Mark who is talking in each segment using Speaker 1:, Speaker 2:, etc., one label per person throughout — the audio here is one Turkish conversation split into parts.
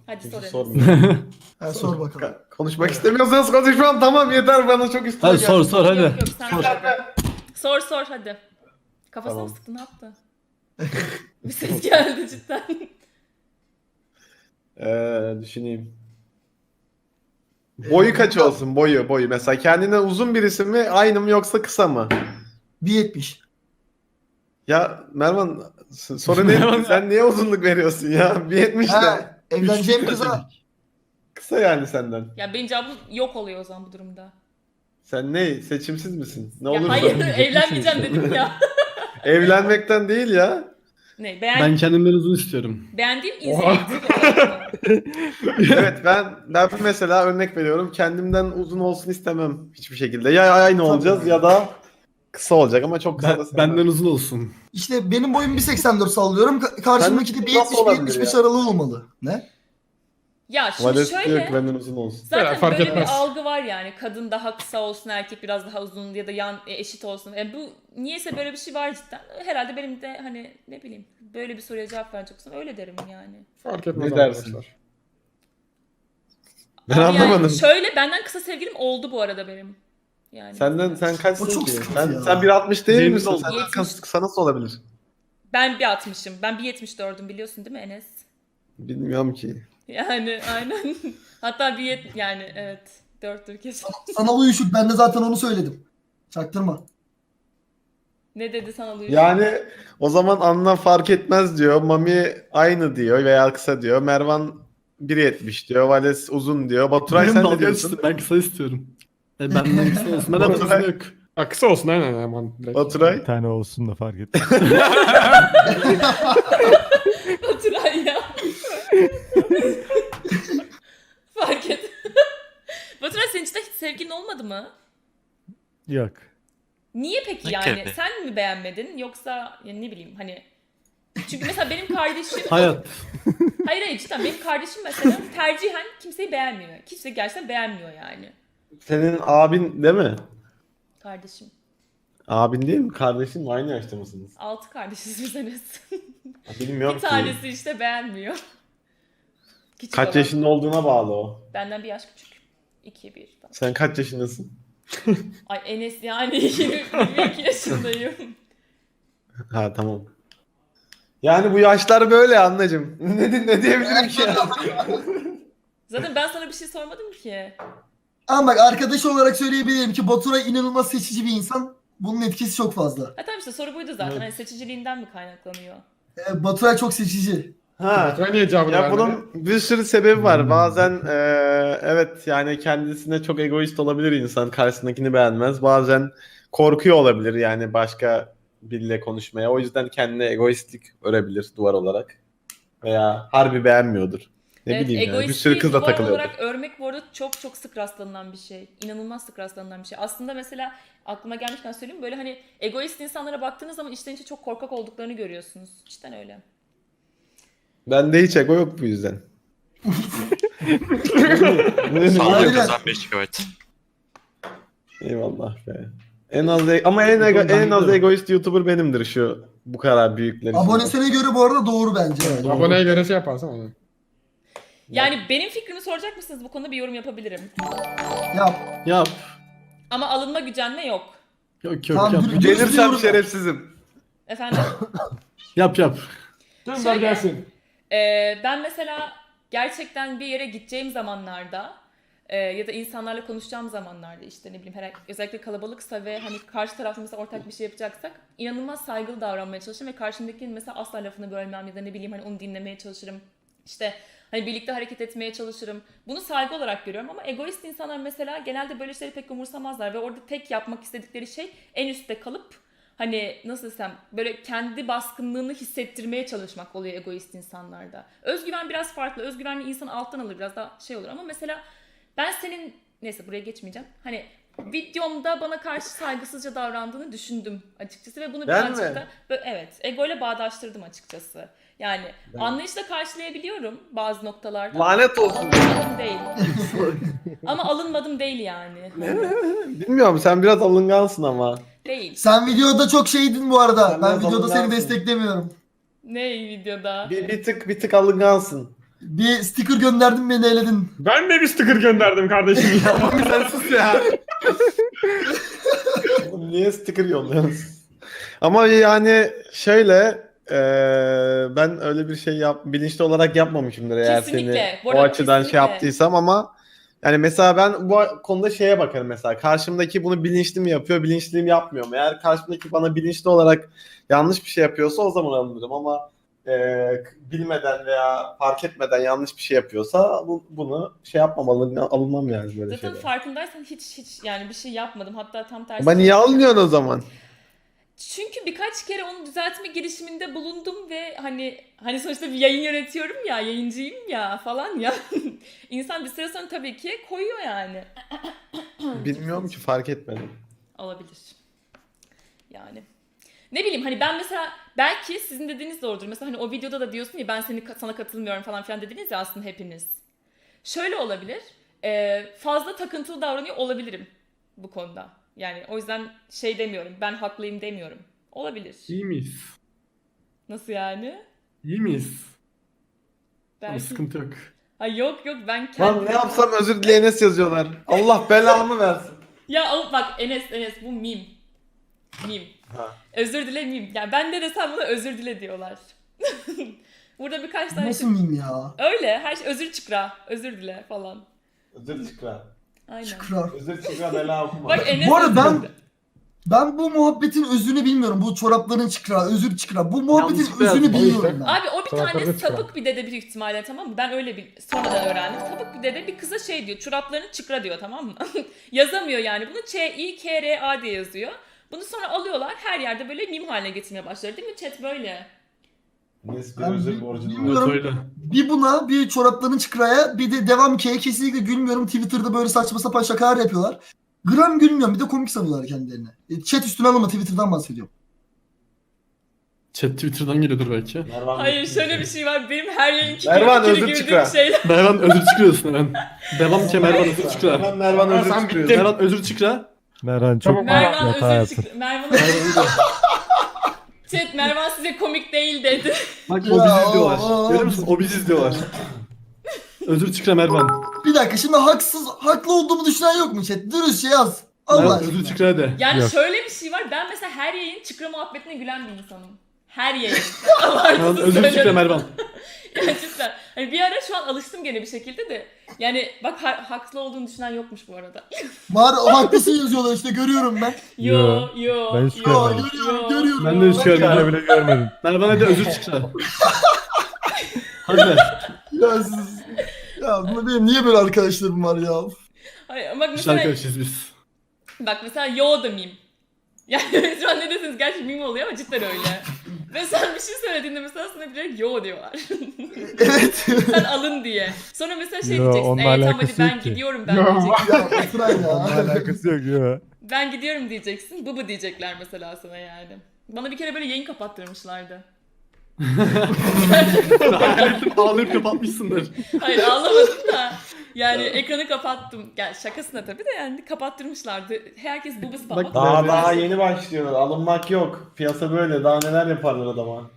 Speaker 1: Hadi
Speaker 2: Kimse
Speaker 1: sor Enes.
Speaker 2: sormuyor.
Speaker 3: Ha, sor bakalım.
Speaker 2: Konuşmak istemiyorsanız konuşmam, tamam yeter, bana çok üstüne
Speaker 4: Hadi
Speaker 2: geldi.
Speaker 4: sor hadi.
Speaker 1: Yok sen sor. Sor hadi. Kafasına
Speaker 2: Tamam.
Speaker 1: mı sıktı, ne yaptı? Bir ses geldi cidden.
Speaker 2: Düşüneyim. Boyu kaç olsun, boyu. Mesela kendinden uzun birisi mi, aynı mı yoksa kısa mı?
Speaker 3: 1.70.
Speaker 2: Ya Mervan, soru ne? Sen niye uzunluk veriyorsun ya? 1.70 de.
Speaker 3: Ha, evleneceğim kıza.
Speaker 2: Kısa yani senden.
Speaker 1: Ya benim cevabım yok oluyor o zaman bu durumda.
Speaker 2: Sen ne? Seçimsiz misin? Ne
Speaker 1: Ya
Speaker 2: olursa.
Speaker 1: hayır evlenmeyeceğim dedim ya.
Speaker 2: Evlenmekten değil ya.
Speaker 1: Ne
Speaker 4: Ben kendimden uzun istiyorum.
Speaker 1: beğendiğim inisiyatif olarak mı?
Speaker 2: Evet, ben mesela örnek veriyorum. Kendimden uzun olsun istemem hiçbir şekilde. Ya aynı olacağız ya da kısa olacak ama çok kısa da sevmem.
Speaker 4: Benden uzun olsun.
Speaker 3: İşte benim boyum 1.84 sallıyorum. Karşımdaki de
Speaker 2: Nasıl olabilir
Speaker 3: 1.70-1.75
Speaker 2: ya?
Speaker 3: aralığı olmalı. Ne?
Speaker 1: Ya şimdi
Speaker 2: Vales diyor ki
Speaker 1: şöyle
Speaker 2: benden uzun olsun.
Speaker 1: zaten
Speaker 5: Fark
Speaker 1: böyle
Speaker 5: etmez.
Speaker 1: bir algı var yani kadın daha kısa olsun erkek biraz daha uzun ya da eşit olsun. Bu niyeyse böyle bir şey var cidden. Herhalde benim de hani ne bileyim böyle bir soruya cevap verecek olsam öyle derim yani.
Speaker 5: Fark etmez
Speaker 2: Ne dersin?
Speaker 5: arkadaşlar.
Speaker 2: Ben
Speaker 1: Ama
Speaker 2: anlamadım.
Speaker 1: Yani şöyle benden kısa sevgilim oldu bu arada benim. Yani.
Speaker 2: Sen kaçsın
Speaker 3: O çok
Speaker 2: ki?
Speaker 3: sıkıntı ya.
Speaker 2: Sen 1.60 değil
Speaker 4: Benim
Speaker 2: misin?
Speaker 4: oldu.
Speaker 2: Sen
Speaker 1: 70.
Speaker 2: kısa nasıl olabilir?
Speaker 1: Ben 1.60'ım. Ben 1.74'üm biliyorsun değil mi Enes?
Speaker 2: Bilmiyorum ki.
Speaker 1: Yani aynen. Hatta yani evet. 4'tür kesin.
Speaker 3: Sana uyuşuk. Ben de zaten onu söyledim. Çaktırma.
Speaker 1: Ne dedi sana Luis?
Speaker 2: Yani o zaman Anna fark etmez diyor. Mami aynı diyor veya kısa diyor. Mervan 1.70 diyor. Vales uzun diyor. Baturay
Speaker 4: Benim
Speaker 2: sen ne
Speaker 4: dalga
Speaker 2: diyorsun?
Speaker 4: geçti, ben kısa istiyorum. Benden kısa olsun. Ben uzun yok.
Speaker 5: Ha, kısa olsun aynen hemen. Direkt.
Speaker 2: Baturay.
Speaker 6: Bir tane olsun da fark etmez.
Speaker 1: Baturay ya. Fark et. Baturay senin için de hiç sevgilin olmadı mı?
Speaker 6: Yok.
Speaker 1: Niye peki
Speaker 7: Ne
Speaker 1: yani?
Speaker 7: gibi?
Speaker 1: Sen mi beğenmedin yoksa yani ne bileyim hani çünkü mesela benim kardeşim
Speaker 4: Hayat.
Speaker 1: hayır cidden benim kardeşim mesela tercihen kimseyi beğenmiyor. Kimse gerçekten beğenmiyor yani.
Speaker 2: Senin abin değil mi?
Speaker 1: Kardeşim.
Speaker 2: Abin değil mi? Kardeşin mi? Aynı yaşta mısınız?
Speaker 1: 6 kardeşiz biz Enes.
Speaker 2: Bilmiyorum
Speaker 1: Bir
Speaker 2: ki.
Speaker 1: tanesi işte beğenmiyor. Küçük
Speaker 2: Kaç
Speaker 1: olan.
Speaker 2: yaşında olduğuna bağlı o.
Speaker 1: Benden bir yaş küçük. 2-1 falan.
Speaker 2: Sen kaç yaşındasın?
Speaker 1: Ay Enes yani 22 yaşındayım.
Speaker 2: Ha tamam. Yani bu yaşlar böyle anneciğim. Ne diyebilirim ki ya?
Speaker 1: Zaten ben sana bir şey sormadım ki.
Speaker 3: Ama bak arkadaş olarak söyleyebilirim ki Baturay inanılmaz seçici bir insan. Bunun etkisi çok fazla.
Speaker 1: Ha tamam işte soru buydu zaten. Hani seçiciliğinden mi kaynaklanıyor?
Speaker 3: Baturay çok seçici.
Speaker 2: Ha.
Speaker 5: Baturay niye cevabını
Speaker 2: Ya
Speaker 5: vermedi?
Speaker 2: bunun bir sürü sebebi var. Bazen evet yani kendisine çok egoist olabilir insan. Karşısındakini beğenmez. Bazen korkuyor olabilir yani başka biriyle konuşmaya. O yüzden kendine egoistlik örebilir duvar olarak. Veya harbi beğenmiyordur. Ne
Speaker 1: Evet,
Speaker 2: bileyim yani. Bir
Speaker 1: egoistliği
Speaker 2: sürü kızla
Speaker 1: duvar
Speaker 2: takılıyordur.
Speaker 1: olarak örmek bu arada çok çok sık rastlanılan bir şey. İnanılmaz sık rastlanılan bir şey. Aslında mesela aklıma gelmişken söyleyeyim böyle hani egoist insanlara baktığınız zaman içten içe çok korkak olduklarını görüyorsunuz. Cidden öyle.
Speaker 2: Bende hiç ego yok bu yüzden.
Speaker 7: Sağlık
Speaker 3: Aynen.
Speaker 7: kazan 5 GB.
Speaker 2: Eyvallah be. Ama en az egoist YouTuber benimdir şu bu kadar büyükler için.
Speaker 3: Abonesine göre bu arada doğru bence. Yani.
Speaker 5: Aboneye göre şey yaparsan onu.
Speaker 1: Yani benim fikrimi soracak mısınız? Bu konuda bir yorum yapabilirim.
Speaker 3: Yap.
Speaker 4: Yap.
Speaker 1: Ama alınma gücenme yok.
Speaker 4: Yok yok
Speaker 3: Tamam,
Speaker 4: yap.
Speaker 3: dur.
Speaker 2: Gelirsem
Speaker 3: Diyorum.
Speaker 2: şerefsizim.
Speaker 1: Efendim?
Speaker 4: Yap yap.
Speaker 5: Gönder
Speaker 1: Şöyle-
Speaker 5: gelsin.
Speaker 1: Ben mesela gerçekten bir yere gideceğim zamanlarda ya da insanlarla konuşacağım zamanlarda işte ne bileyim özellikle kalabalıksa ve hani karşı tarafta mesela ortak bir şey yapacaksak inanılmaz saygılı davranmaya çalışırım ve karşımdakinin mesela asla lafını bölmem ya da ne bileyim hani onu dinlemeye çalışırım. İşte hani birlikte hareket etmeye çalışırım. Bunu saygı olarak görüyorum ama egoist insanlar mesela genelde böyle şeyleri pek umursamazlar ve orada tek yapmak istedikleri şey en üstte kalıp hani nasıl desem böyle kendi baskınlığını hissettirmeye çalışmak oluyor egoist insanlarda. Özgüven biraz farklı. Özgüvenli insan alttan alır biraz daha şey olur ama mesela ben senin neyse buraya geçmeyeceğim. Hani videomda bana karşı saygısızca davrandığını düşündüm açıkçası ve bunu
Speaker 2: Ben
Speaker 1: birazcık
Speaker 2: mi?
Speaker 1: da evet egoyla bağdaştırdım açıkçası. Yani anlayışla karşılayabiliyorum bazı noktalarda.
Speaker 2: Lanet olsun.
Speaker 1: Alınmadım değil. Ama alınmadım değil yani.
Speaker 2: Bilmiyorum sen biraz alıngansın ama.
Speaker 1: Değil.
Speaker 3: Sen videoda çok şeydin bu arada.
Speaker 2: Sen
Speaker 3: Ben
Speaker 2: biraz
Speaker 3: videoda seni
Speaker 2: alıngansın.
Speaker 3: desteklemiyorum.
Speaker 1: Ne videoda?
Speaker 2: Bir tık alıngansın.
Speaker 3: Bir sticker gönderdim beni eledin.
Speaker 5: Ben de bir sticker gönderdim kardeşim ya.
Speaker 2: Sen sus ya. Oğlum niye sticker yolluyorsunuz? Ama yani şöyle ben öyle bir şey bilinçli olarak yapmamışımdır eğer
Speaker 1: Kesinlikle.
Speaker 2: seni
Speaker 1: Bu
Speaker 2: o
Speaker 1: arada
Speaker 2: açıdan şey
Speaker 1: kesinlikle.
Speaker 2: yaptıysam ama yani mesela ben bu konuda şeye bakarım mesela karşımdaki bunu bilinçli mi yapıyor bilinçli mi yapmıyor mu? Eğer karşımdaki bana bilinçli olarak yanlış bir şey yapıyorsa o zaman alınırım ama bilmeden veya fark etmeden yanlış bir şey yapıyorsa bunu şey yapmamalı alınmam yani böyle
Speaker 1: Zaten
Speaker 2: şeyler.
Speaker 1: farkındaysan hiç yani bir şey yapmadım. Hatta tam tersi.
Speaker 2: Ama niye alınıyorsun o zaman?
Speaker 1: Çünkü birkaç kere onu düzeltme girişiminde bulundum ve hani sonuçta bir yayın yönetiyorum ya, yayıncıyım ya falan ya. İnsan bir süre sonra tabii ki koyuyor yani.
Speaker 2: Bilmiyorum ki fark etmedim.
Speaker 1: Olabilir. Yani. Ne bileyim hani ben mesela belki sizin dediğiniz doğrudur. Mesela hani o videoda da diyorsun ya ben sana katılmıyorum falan filan dediniz ya aslında hepiniz. Şöyle olabilir. Fazla takıntılı davranıyor olabilirim bu konuda. Yani o yüzden şey demiyorum. Ben haklıyım demiyorum. Olabilir.
Speaker 5: İyi miyiz?
Speaker 1: Nasıl yani?
Speaker 5: İyi miyiz? Ama
Speaker 1: Belki...
Speaker 5: sıkıntı yok.
Speaker 1: Ay yok ben
Speaker 2: Lan
Speaker 1: kendim...
Speaker 2: ne yapsam özür dileyene yazıyorlar. Allah belamı versin.
Speaker 1: Ya bak Enes bu meme. Meme.
Speaker 2: Ha.
Speaker 1: Özür dile meme. Yani ben de desem buna özür dile diyorlar. Burada birkaç tane
Speaker 3: Nasıl miyim ya?
Speaker 1: Öyle her şey özür çıkra. Özür dile falan.
Speaker 2: Özür çıkra.
Speaker 1: Aynen.
Speaker 3: Şükran.
Speaker 2: Özür çıkra bela okuma.
Speaker 1: Bak Enes
Speaker 3: Bu arada
Speaker 1: özür dile.
Speaker 3: ben bu muhabbetin özünü bilmiyorum. Bu çorapların çıkra, özür çıkra. Bu muhabbetin
Speaker 5: Yanlışlıkla
Speaker 3: özünü
Speaker 5: yazdım, o
Speaker 3: bilmiyorum
Speaker 5: yüzden.
Speaker 3: ben.
Speaker 1: Abi o bir
Speaker 5: Çoraplarını
Speaker 1: tane
Speaker 5: çıkra.
Speaker 1: sapık bir dede büyük ihtimalle tamam mı? Ben öyle bir sonradan öğrendim. Sapık bir dede bir kıza şey diyor. Çoraplarını çıkra diyor tamam mı? Yazamıyor yani. Bunu Ç-I-K-R-A diye yazıyor. Bunu sonra alıyorlar her yerde böyle meme haline getirmeye başlar değil mi? Chat böyle.
Speaker 2: Nes bir
Speaker 3: Ben
Speaker 2: özür borcunu var.
Speaker 3: bilmiyorum.
Speaker 5: Evet öyle.
Speaker 3: Bir buna, bir çorapların çıkraya, bir de devam ki'ye kesinlikle gülmüyorum. Twitter'da böyle saçma sapan şakalar yapıyorlar. Gram gülmüyorum. Bir de komik sanıyorlar kendilerini. Chat üstüne alma, Twitter'dan bahsediyorum.
Speaker 5: Chat Twitter'dan geliyordur belki.
Speaker 2: Mervan
Speaker 1: Hayır
Speaker 2: bitti.
Speaker 1: şöyle bir şey var. Benim her yayın
Speaker 2: Mervan,
Speaker 1: kikiri
Speaker 2: özür
Speaker 1: güldüğüm
Speaker 2: çıkra.
Speaker 1: şeyler.
Speaker 5: Mervan özür çıkıyorsun hemen. Devam ki Mervan özür çıkıyor.
Speaker 2: Hemen Mervan özür
Speaker 5: Sen
Speaker 2: çıkıyor.
Speaker 5: bittin. Mervan özür çıkıyor.
Speaker 6: Merhan çok
Speaker 5: Tamam,
Speaker 1: Mervan
Speaker 6: hata
Speaker 1: özür
Speaker 6: yaptı.
Speaker 1: çıkra. Mervan
Speaker 5: Mervan özür.
Speaker 1: Chat Mervan size komik değil dedi.
Speaker 5: Bak o
Speaker 3: Ya,
Speaker 5: bizi izliyorlar.
Speaker 3: aa,
Speaker 5: Görüyor musun? O bizi izliyorlar. Özür çıkıyor Mervan.
Speaker 3: Bir dakika, şimdi haklı olduğumu düşünen yok mu chat? Dürüstçe yaz. Allah
Speaker 5: Mervan
Speaker 3: aşkına.
Speaker 5: özür çıkıyor de.
Speaker 1: Yani
Speaker 6: Yok.
Speaker 1: şöyle bir şey var. Ben mesela her yayın çıkra muhabbetine gülen bir insanım. Her yayın.
Speaker 5: Mervan
Speaker 1: Abartısız
Speaker 5: özür çıkıyor
Speaker 1: söylüyorum.
Speaker 5: Mervan.
Speaker 1: Yani cidden. Hani bir ara şu an alıştım gene bir şekilde de. Yani bak haklı olduğunu düşünen yokmuş bu arada.
Speaker 3: Var, haklısın yazıyorlar işte, görüyorum ben.
Speaker 1: Yo.
Speaker 6: Ben hiç
Speaker 3: Yo,
Speaker 6: görmedim.
Speaker 3: görüyorum.
Speaker 5: Ben de hiç görmedim.
Speaker 6: Ben bile görmedim.
Speaker 5: Mervan hadi özür çıkıyor. Hadi.
Speaker 3: Ya siz... Ya benim niye böyle arkadaşlarım var ya?
Speaker 1: Hayır, bak
Speaker 5: İşte
Speaker 1: mesela,
Speaker 5: arkadaşız biz.
Speaker 1: bak mesela yo da meme. Yani şu an ne desiniz gerçi meme oluyor ama cidden öyle. Ve sen bir şey söylediğinde mesela sana direkt yo diyorlar.
Speaker 3: Evet.
Speaker 1: Sen alın diye. Sonra mesela şey
Speaker 6: Yo,
Speaker 1: diyeceksin.
Speaker 6: onunla
Speaker 1: Tamam hadi
Speaker 6: alakası
Speaker 1: ben
Speaker 6: yok ki."
Speaker 1: gidiyorum ben
Speaker 5: Yo.
Speaker 1: diyeceksin.
Speaker 3: Ya Baturay
Speaker 6: Onunla
Speaker 3: ya.
Speaker 6: alakası yok ya.
Speaker 1: Ben gidiyorum diyeceksin. Bıbı diyecekler mesela sana yani. Bana bir kere böyle yayın kapattırmışlardı.
Speaker 5: Ağlayıp kapatmışsındır.
Speaker 1: Hayır ağlamadım da. Yani ekranı kapattım. Yani şakasına tabii de yani kapattırmışlardı. Herkes bıbı spam.
Speaker 5: Bak,
Speaker 2: Daha yeni başlıyorlar. Alınmak yok. Piyasa böyle. Daha neler yaparlar adama.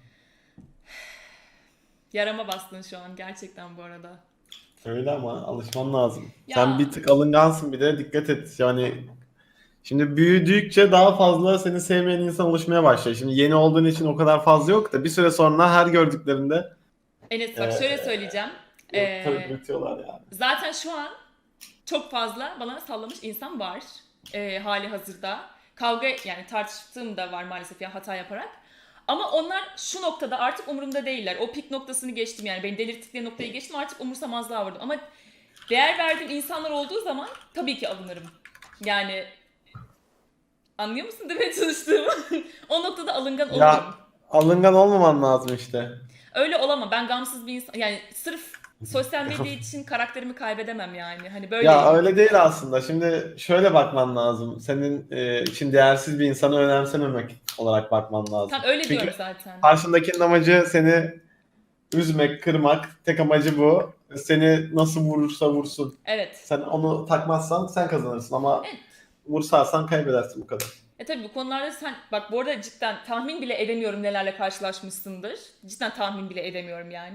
Speaker 1: Yarama bastın şu an gerçekten bu arada.
Speaker 2: Öyle ama alışman lazım.
Speaker 1: Ya.
Speaker 2: Sen bir tık alıngansın bir de dikkat et. Yani şimdi büyüdükçe daha fazla seni sevmeyen insan oluşmaya başlıyor. Şimdi yeni olduğun için o kadar fazla yok da bir süre sonra her gördüklerinde
Speaker 1: Enes bak şöyle söyleyeceğim.
Speaker 2: tabii bitiyorlar yani.
Speaker 1: Zaten şu an çok fazla bana sallamış insan var. Hali hazırda. Kavga yani tartıştığım da var maalesef ya hata yaparak. Ama onlar şu noktada artık umurumda değiller. O pik noktasını geçtim yani. Beni delirttikleri noktayı geçtim artık umursamazlığa vurdum. Ama değer verdiğim insanlar olduğu zaman tabii ki alınırım. Yani anlıyor musun demeye çalıştığımı? O noktada alıngan olurum.
Speaker 2: Ya alıngan olmaman lazım işte.
Speaker 1: Öyle olamam. Ben gamsız bir insan. Yani sırf sosyal medya için karakterimi kaybedemem yani. Hani böyle.
Speaker 2: Ya öyle değil aslında. Şimdi şöyle bakman lazım. Senin için değersiz bir insanı önemsememek olarak bakman lazım.
Speaker 1: Tam öyle
Speaker 2: Çünkü
Speaker 1: diyorum zaten.
Speaker 2: karşındakinin amacı seni üzmek, kırmak. Tek amacı bu. Seni nasıl vurursa vursun.
Speaker 1: Evet.
Speaker 2: Sen onu takmazsan sen kazanırsın ama
Speaker 1: Evet.
Speaker 2: vursarsan kaybedersin bu kadar.
Speaker 1: Tabii bu konularda sen bak bu arada cidden tahmin bile edemiyorum nelerle karşılaşmışsındır. Cidden tahmin bile edemiyorum yani.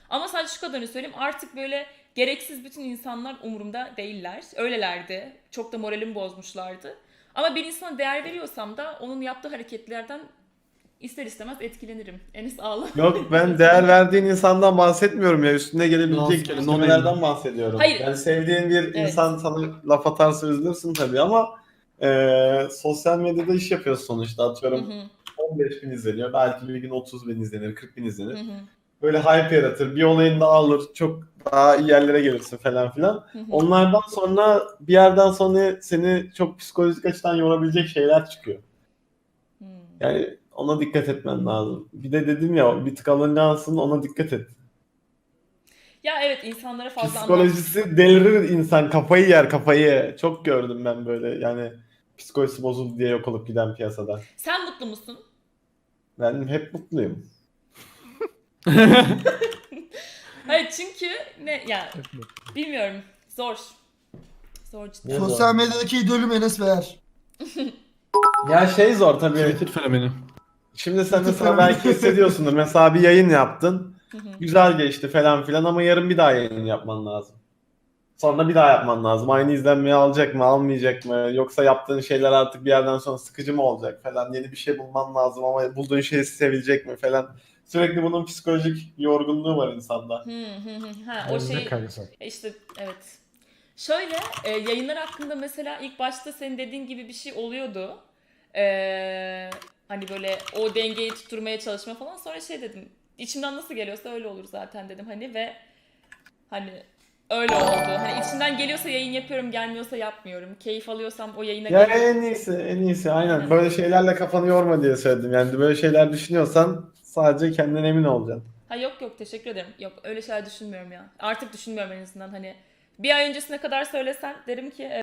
Speaker 1: Ama sadece şu kadarını söyleyeyim, artık böyle gereksiz bütün insanlar umurumda değiller. Öylelerdi. Çok da moralimi bozmuşlardı. Ama bir insana değer veriyorsam da onun yaptığı hareketlerden ister istemez etkilenirim. Enes ağla.
Speaker 2: Yok, ben değer verdiğin insandan bahsetmiyorum ya. Üstüne
Speaker 4: Nasıl
Speaker 2: gelebilecek
Speaker 4: yani?
Speaker 2: gelişmelerden bahsediyorum.
Speaker 1: Hayır.
Speaker 2: Yani sevdiğin bir
Speaker 1: Evet.
Speaker 2: insan sana laf atarsa üzülürsün tabii ama sosyal medyada iş yapıyorsun sonuçta.
Speaker 1: Hı
Speaker 2: Atıyorum
Speaker 1: hı,
Speaker 2: 15 bin izleniyor. Belki bir gün 30 bin izlenir, 40 bin
Speaker 1: hı
Speaker 2: izlenir.
Speaker 1: hı,
Speaker 2: Böyle hype yaratır. Bir olayını da alır. Çok daha iyi yerlere gelirsin falan filan.
Speaker 1: hı hı.
Speaker 2: Onlardan sonra bir yerden sonra seni çok psikolojik açıdan yorabilecek şeyler çıkıyor.
Speaker 1: Hmm.
Speaker 2: Yani ona dikkat etmen lazım. Bir de dedim ya, bir tık alıngansın, ona dikkat et.
Speaker 1: Ya evet, insanlara fazla anlam.
Speaker 2: Psikolojisi delirir insan, kafayı yer kafayı. Çok gördüm ben böyle, yani psikolojisi bozuldu diye yok olup giden piyasada.
Speaker 1: Sen mutlu musun?
Speaker 2: Ben hep mutluyum.
Speaker 1: Hayır, çünkü ne ya, bilmiyorum, zor. Zor cidden.
Speaker 2: Ne
Speaker 3: Sosyal
Speaker 2: zor.
Speaker 3: medyadaki idolüm Enes Beğer.
Speaker 2: Ya şey zor tabii.
Speaker 4: Twitter fenomeni.
Speaker 2: Şimdi sen
Speaker 3: Twitter
Speaker 2: mesela
Speaker 3: fenomeni.
Speaker 2: belki hissediyorsundur. Mesela bir yayın yaptın.
Speaker 1: Hı hı.
Speaker 2: Güzel geçti falan filan ama yarın bir daha yayın yapman lazım. Sonra bir daha yapman lazım. Aynı izlenmeyi alacak mı, almayacak mı? Yoksa yaptığın şeyler artık bir yerden sonra sıkıcı mı olacak falan. Yeni bir şey bulman lazım ama bulduğun şey sevilecek mi falan. Sürekli bunun psikolojik yorgunluğu var insanda.
Speaker 1: Hı hı hı. Ha, o şey
Speaker 6: kaygısı.
Speaker 1: işte, evet. Şöyle yayınlar hakkında mesela ilk başta senin dediğin gibi bir şey oluyordu. Hani böyle o dengeyi tutturmaya çalışma falan. Sonra şey dedim, içimden nasıl geliyorsa öyle olur zaten dedim hani, ve hani öyle oldu. Hani içimden geliyorsa yayın yapıyorum, gelmiyorsa yapmıyorum. Keyif alıyorsam o yayına
Speaker 2: Ya
Speaker 1: geliyorum.
Speaker 2: en iyisi aynen. Böyle şeylerle kafanı yorma diye söyledim. Yani böyle şeyler düşünüyorsan sadece kendinden emin olacaksın.
Speaker 1: Ha yok yok, teşekkür ederim. Yok, öyle şeyler düşünmüyorum ya. Artık düşünmüyorum en azından, hani bir ay öncesine kadar söylesen derim ki